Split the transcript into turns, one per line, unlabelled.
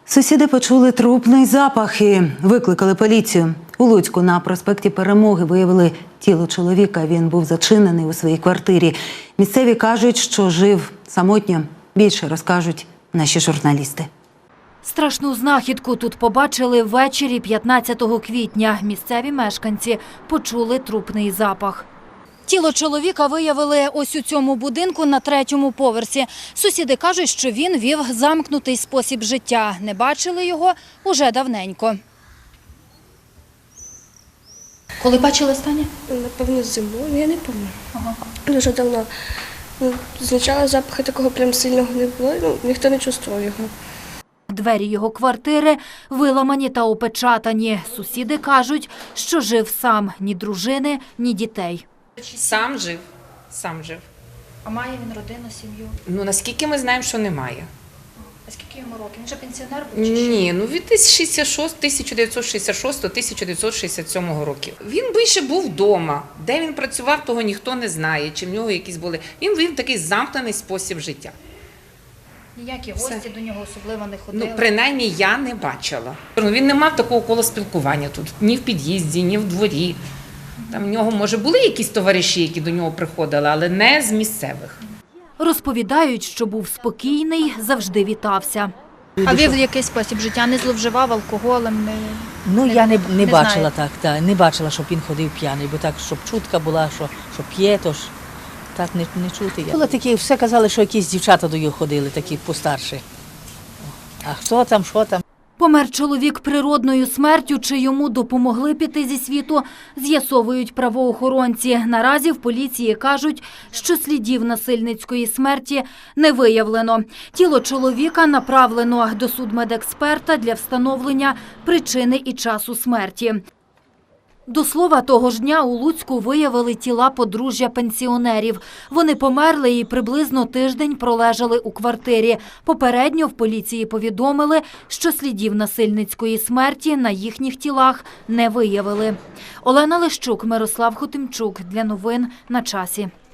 Сусіди почули трупний запах і викликали поліцію. У Луцьку на проспекті Перемоги виявили тіло чоловіка. Він був зачинений у своїй квартирі. Місцеві кажуть, що жив самотньо. Більше розкажуть наші журналісти.
Страшну знахідку тут побачили ввечері 15 квітня. Місцеві мешканці почули трупний запах. Тіло чоловіка виявили ось у цьому будинку на 3-му поверсі. Сусіди кажуть, що він вів замкнутий спосіб життя. Не бачили його уже давненько. Коли бачили останнє?
Напевно, зимою, я не пам'ятаю. Дуже давно. Спочатку запаху такого прям сильного не було, ніхто не чувствував його.
Двері його квартири виламані та опечатані. Сусіди кажуть, що жив сам. Ні дружини, ні дітей.
Сам жив.
А має він родину, сім'ю?
Ну, наскільки ми знаємо, що немає.
А скільки йому років? Він же пенсіонер був?
Ні, ну від 1966-1967 років. Він більше був вдома. Де він працював, того ніхто не знає, чи в нього якісь були. Він вів такий замкнений спосіб життя.
Ніякі гості до нього особливо не ходили?
Ну, принаймні, я не бачила. Він не мав такого кола спілкування тут. Ні в під'їзді, ні в дворі. Там в нього, може, були якісь товариші, які до нього приходили, але не з місцевих.
Розповідають, що був спокійний, завжди вітався. А вів якийсь спосіб життя, не зловживав алкоголем?
Я не бачила так, не бачила, щоб він ходив п'яний, бо так, щоб чутка була, що п'є, то ж так не чути. Було такі, все казали, що якісь дівчата до його ходили, такі постарші. А хто там, що там?
Помер чоловік природною смертю, чи йому допомогли піти зі світу, з'ясовують правоохоронці. Наразі в поліції кажуть, що слідів насильницької смерті не виявлено. Тіло чоловіка направлено до судмедексперта для встановлення причини і часу смерті. До слова, того ж дня у Луцьку виявили тіла подружжя пенсіонерів. Вони померли і приблизно тиждень пролежали у квартирі. Попередньо в поліції повідомили, що слідів насильницької смерті на їхніх тілах не виявили. Олена Лещук, Мирослав Хотимчук. Для новин на часі.